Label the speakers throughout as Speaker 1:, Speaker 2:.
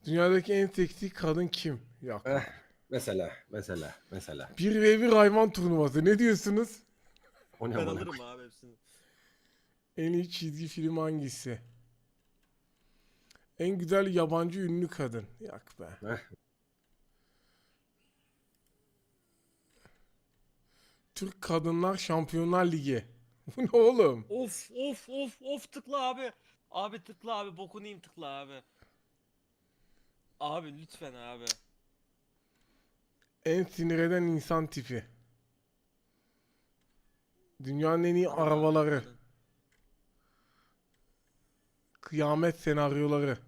Speaker 1: Dünyadaki en seksi kadın kim? Yok
Speaker 2: Eh,
Speaker 1: abi.
Speaker 2: mesela.
Speaker 1: 1v1 hayvan turnuvası. Ne diyorsunuz?
Speaker 2: O ne
Speaker 3: Ben
Speaker 2: amına
Speaker 3: alırım
Speaker 2: koyayım?
Speaker 3: abi hepsini.
Speaker 1: En iyi çizgi film hangisi? En güzel yabancı ünlü kadın. Yok be.
Speaker 2: Eh,
Speaker 1: Türk Kadınlar Şampiyonlar Ligi. Bu ne oğlum?
Speaker 3: Of tıkla abi. Abi tıkla abi bokunu yiyeyim tıkla abi. Abi lütfen abi.
Speaker 1: En sinir eden insan tipi. Dünyanın en iyi
Speaker 3: Kadın abi
Speaker 1: arabaları.
Speaker 3: kadın.
Speaker 1: Kıyamet senaryoları.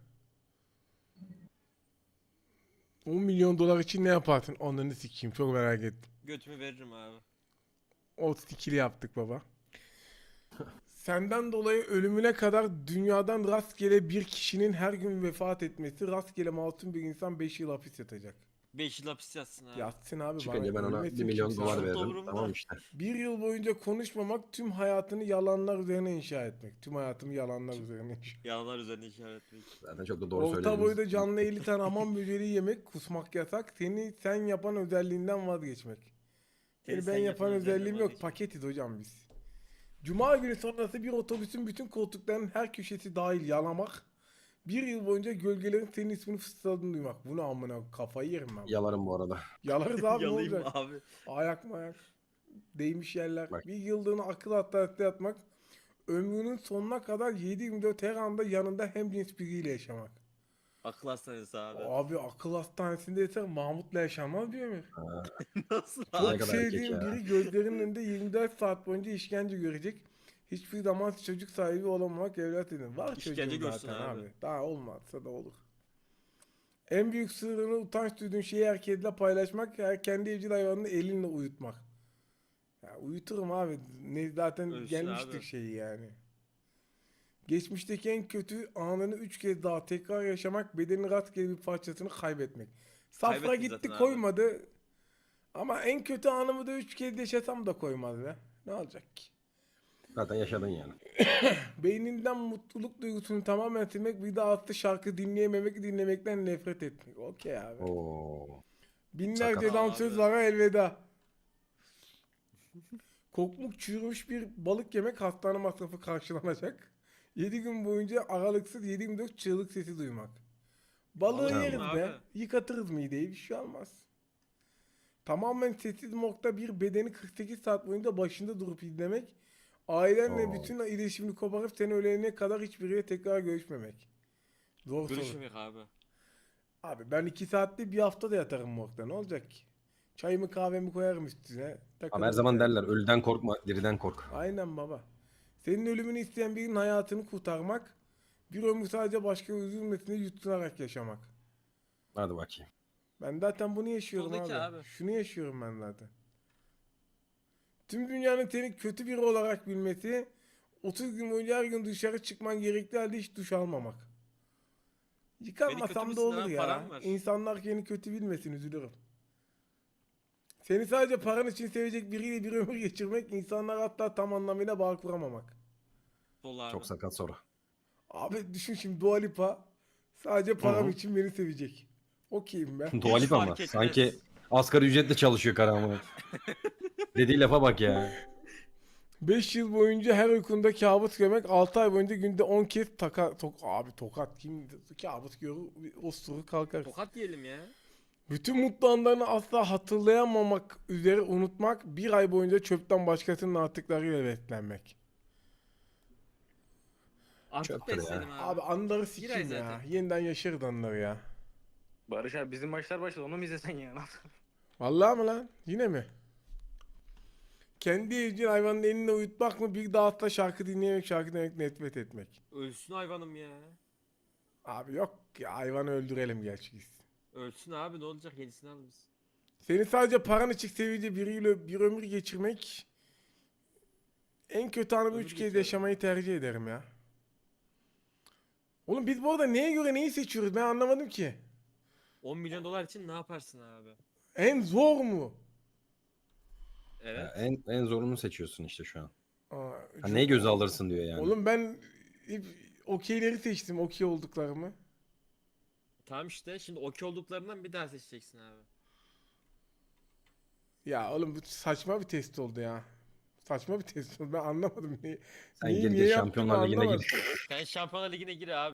Speaker 1: 10 milyon dolar için ne yaparsın? Onları sikeyim, çok merak ettim.
Speaker 3: Götümü veririm abi.
Speaker 1: O ikili yaptık baba. Senden dolayı ölümüne kadar dünyadan rastgele bir kişinin her gün vefat etmesi, rastgele masum bir insan 5 yıl hapis yatacak.
Speaker 3: 5 yıl hapis yatsın abi.
Speaker 1: Yatsın abi, bana
Speaker 2: Çıkınca ben ona
Speaker 1: ölmesin
Speaker 2: 1 milyon
Speaker 1: kimse.
Speaker 2: dolar
Speaker 3: Çok
Speaker 2: veririm.
Speaker 3: umurumda.
Speaker 2: Tamam işte.
Speaker 1: Bir yıl boyunca konuşmamak, tüm hayatını yalanlar üzerine inşa etmek. Tüm hayatımı yalanlar üzerine inşa.
Speaker 3: Yalanlar üzerine işaret etmek.
Speaker 2: Zaten çok da doğru
Speaker 1: Orta
Speaker 2: söylediniz.
Speaker 1: boyda canlı 50 tane hamam böceği yemek, kusmak yasak. Sen yapan özelliğinden vazgeçmek.
Speaker 3: Seni
Speaker 1: Ben
Speaker 3: sen
Speaker 1: yapan
Speaker 3: yapan
Speaker 1: özelliğim
Speaker 3: özelliğinden
Speaker 1: yok.
Speaker 3: vazgeçmek.
Speaker 1: Paketiz hocam biz. Cuma günü sonrası bir otobüsün bütün koltuklarının her köşesi dahil yalamak. Bir yıl boyunca gölgelerin senin ismini fısıldadığını duymak. Bu ne amına, kafayı yerim ben.
Speaker 2: Yalarım bu arada.
Speaker 1: Yalarız abi, ne
Speaker 3: Yalayayım
Speaker 1: olacak?
Speaker 3: abi.
Speaker 1: Ayak mı ayak? Değmiş yerler.
Speaker 2: Bak.
Speaker 1: Bir yıllığına akıl hastanesinde yatmak. Ömrünün sonuna kadar 7/24 her anda yanında hemcins biriyle yaşamak.
Speaker 3: Akıl hastanesi abi.
Speaker 1: Abi akıl hastanesinde yatar, Mahmut'la yaşanmaz diyor mu?
Speaker 2: Ha,
Speaker 3: Nasıl
Speaker 2: Ne
Speaker 1: Çok
Speaker 3: abi?
Speaker 2: kadar erkek
Speaker 1: sevdiğim
Speaker 2: ya.
Speaker 1: biri gözlerinin önünde 24 saat boyunca işkence görecek. Hiçbir zaman çocuk sahibi olamamak, evlat edin. Var
Speaker 3: İşkence
Speaker 1: çocuğum
Speaker 3: görsün
Speaker 1: zaten
Speaker 3: abi.
Speaker 1: abi. Daha olmazsa da olur. En büyük sırrını, utanç duyduğun şeyi herkesle paylaşmak, kendi evcil hayvanını elinle uyutmak. Ya uyuturum abi. Ne, zaten
Speaker 3: Ölsün
Speaker 1: gelmiştik
Speaker 3: abi.
Speaker 1: şeyi yani. Geçmişteki en kötü anını 3 kez daha tekrar yaşamak, bedenin rastgele bir parçasını kaybetmek. Safra
Speaker 3: Kaybettin
Speaker 1: gitti
Speaker 3: zaten abi.
Speaker 1: koymadı. Ama en kötü anımı da 3 kez yaşasam da koymaz be. Ne olacak ki?
Speaker 2: Zaten yaşadın yani.
Speaker 1: Beyninden mutluluk duygusunu tamamen silmek, bir daha atlı şarkı dinleyememek, dinlemekten nefret etmek. Okey abi.
Speaker 2: Oo.
Speaker 1: Binlerce
Speaker 2: Sakat.
Speaker 1: dansözlara elveda. Kokmuk çürümüş bir balık yemek, hastane masrafı karşılanacak. 7 gün boyunca aralıksız 7/24 çığlık sesi duymak. Balığı
Speaker 3: Balık
Speaker 1: yeriz
Speaker 3: yiyeyim
Speaker 1: be.
Speaker 3: abi.
Speaker 1: Yıkatırız mideyi, bir şey olmaz. Tamamen sessiz modda bir bedeni 48 saat boyunca başında durup izlemek. Ailenle
Speaker 2: Oo.
Speaker 1: bütün iletişimini koparıp seni ölene kadar hiçbiriyle tekrar görüşmemek. Zor soru.
Speaker 3: Görüşmemek abi.
Speaker 1: Abi ben 2 saatte bir hafta da yatarım morgda, ne olacak ki? Çayımı kahvemi koyarım üstüne.
Speaker 2: Abi her
Speaker 1: Takılırım
Speaker 2: zaman
Speaker 1: yani.
Speaker 2: derler ölüden korkma, diriden kork.
Speaker 1: Aynen baba. Senin ölümünü isteyen birinin hayatını kurtarmak. Bir ömür sadece başka üzülmesine yutunarak yaşamak.
Speaker 2: Hadi bakayım.
Speaker 1: Ben zaten bunu yaşıyorum
Speaker 3: Soldaki
Speaker 1: abi.
Speaker 3: abi.
Speaker 1: Şunu yaşıyorum ben zaten. Tüm dünyanın seni kötü biri olarak bilmesi, 30 gün boyunca her gün dışarı çıkman gerektiği halde hiç duş almamak. Yıkanmasam da
Speaker 3: müsün
Speaker 1: olur
Speaker 3: lan?
Speaker 1: ya.
Speaker 3: Param var.
Speaker 1: İnsanlar seni kötü bilmesin, üzülürüm. Seni sadece paran için sevecek biriyle bir ömür geçirmek, insanlar hatta tam anlamıyla bağ kuramamak.
Speaker 3: Sol abi.
Speaker 2: Çok sakat soru.
Speaker 1: Abi düşün şimdi, Dua Lipa sadece
Speaker 2: Hı
Speaker 1: param
Speaker 2: hı.
Speaker 1: için beni sevecek. Okeyim ben.
Speaker 2: Dua Lipa
Speaker 3: fark
Speaker 2: ama.
Speaker 3: etmez.
Speaker 2: Sanki asgari ücretle çalışıyor karamı. Dediği lafa bak ya.
Speaker 1: 5 yıl boyunca her uykunda kabus görmek, 6 ay boyunca günde 10 kez abi tokat kim kabus görür, osuru kalkar.
Speaker 3: Tokat diyelim ya.
Speaker 1: Bütün mutlu anlarını asla hatırlayamamak üzere unutmak, bir ay boyunca çöpten başkasının artıklarıyla beslenmek.
Speaker 3: Artık
Speaker 2: Çöptür ya.
Speaker 3: besledim abi.
Speaker 1: Abi anıları
Speaker 3: Bir ay
Speaker 1: sikeyim ya.
Speaker 3: zaten.
Speaker 1: Yeniden yaşarız anıları ya.
Speaker 4: Barış abi bizim maçlar başladı, onu mu izlesen ya?
Speaker 1: Vallahi mı lan? Yine mi? Kendi evcil hayvanın eline uyutmak mı, bir daha asla şarkı dinleyemek, şarkı dinlemek, nefret etmek.
Speaker 3: Ölsün hayvanım ya.
Speaker 1: Abi yok ya, hayvanı öldürelim gerçi.
Speaker 3: Ölsün abi ne olacak yenisini alırız.
Speaker 1: Seni sadece paran için sevdiği biriyle bir ömür geçirmek, en kötü anımı
Speaker 3: Ömür
Speaker 1: 3 kez
Speaker 3: geçirelim.
Speaker 1: yaşamayı tercih ederim ya. Oğlum biz bu arada neye göre neyi seçiyoruz, ben anlamadım ki.
Speaker 3: 10 milyon dolar için ne yaparsın abi?
Speaker 1: En zor mu?
Speaker 3: Evet.
Speaker 2: Ya en zorunu seçiyorsun işte şu an.
Speaker 1: Aa,
Speaker 2: Ha, neyi göze alırsın diyor yani.
Speaker 1: Oğlum ben hep okeyleri seçtim, okey olduklarımı.
Speaker 3: Tamam işte şimdi okey olduklarından bir daha seçeceksin abi.
Speaker 1: Ya oğlum bu saçma bir test oldu ya. Saçma bir test oldu. Ben anlamadım.
Speaker 2: Sen
Speaker 1: Neyi
Speaker 2: gel
Speaker 1: niye
Speaker 2: gel
Speaker 1: yaptığımı
Speaker 2: Şampiyonlar Ligi'ne
Speaker 1: anlamadım.
Speaker 2: gir.
Speaker 3: Sen Şampiyonlar Ligi'ne gir abi.